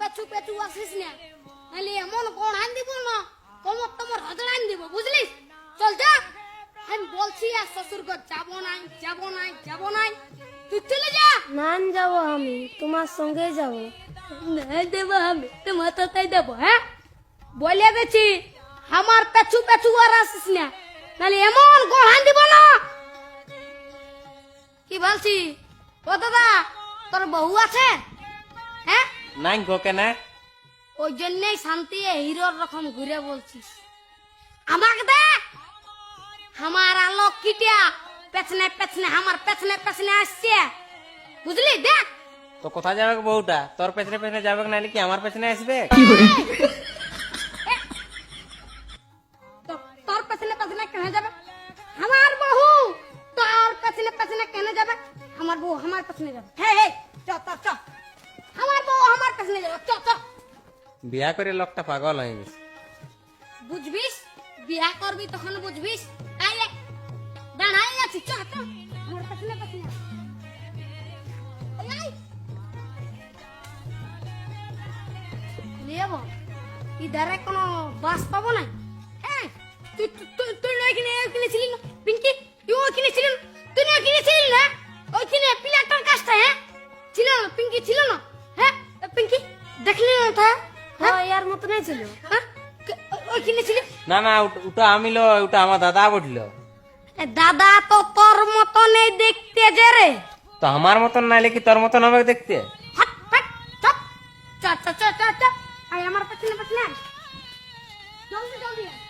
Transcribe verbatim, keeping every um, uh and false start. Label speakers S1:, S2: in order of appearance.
S1: পেছু পেছু আসিস না, নাহলে এমন কোন আন দিব না কোমর তোমার হজড়ান দিব, বুঝলি? চল যা, আমি বলছি আর শ্বশুর ঘর যাবো নাই যাবো নাই যাবো নাই, তুই চলে যা।
S2: না যাবো, আমি তোমার সঙ্গে যাবো।
S1: না দেবো আমি তোমার তাই দেবো, হ্যাঁ বলে গেছি আমার পেছু পেছু আর আসিস না, নাহলে এমন কোন আন দিব না। কি বলছি ও দাদা, তোর বউ আছে? হ্যাঁ,
S3: নাই গো কেন?
S1: ওই জন্যই শান্তি হিরোর রকম ঘুরে বলছিস। আমাকে দেখ, আমার আলোক কিটিয়া পেছনে পেছনে আমার পেছনে পেছনে আসছে, বুঝলি? দেখ
S3: তো কোথায় যাবে বউটা? তোর পেছনে পেছনে যাবে নাহলে কি আমার পেছনে আসবে?
S1: তো- তোর পেছনে পেছনে কেন যাবে? আমার বউ তোর পেছনে পেছনে কেন যাবে? আমার বউ আমার পেছনে যাবে। হ্যাঁ হ্যাঁ, চ চ চ, আমার বউ আমার পেছনে যাবে, চ চ।
S3: বিয়া করে লোকটা পাগল হয়ে গেছে।
S1: বুঝবিস, বিয়া করবি তখন বুঝবিস। আইলে দাঁড়াই আছি, চ চ, আমার পেছনে পেছনে আয়। এই, আয়। লিয়াবো, ইধারে কোনো বাস পাবো না। হ্যাঁ, তুই তুই- তুই তুই না ওইখানে ওইখানে ছিলি না পিঙ্কি, তুই ওইখানে ছিলি না, তুই না ওইখানে ছিলি না ওইখানে পিলাটার কাছটা, হ্যাঁ ছিল না পিঙ্কি, ছিল না? হ্যাঁ পিঙ্কি দেখলি না তা?
S2: হ্যাঁ ইয়ার মতো নাই ছিল।
S1: হ্যাঁ কে- ওই- ওইখানে ছিলি?
S3: না না, ওটা- ওটা আমি লো, ওটা আমার দাদা বললো।
S1: এ দাদা তো তোর মতনই দেখতে যে রে।
S3: তো আমার মতন নাইলে কি তোর মতন হবে দেখতে?
S1: হাট হাট চপ, চ চ চ চ চ, আয় আমার পেছনে পেছনে আয়। জলদি জলদি আয়।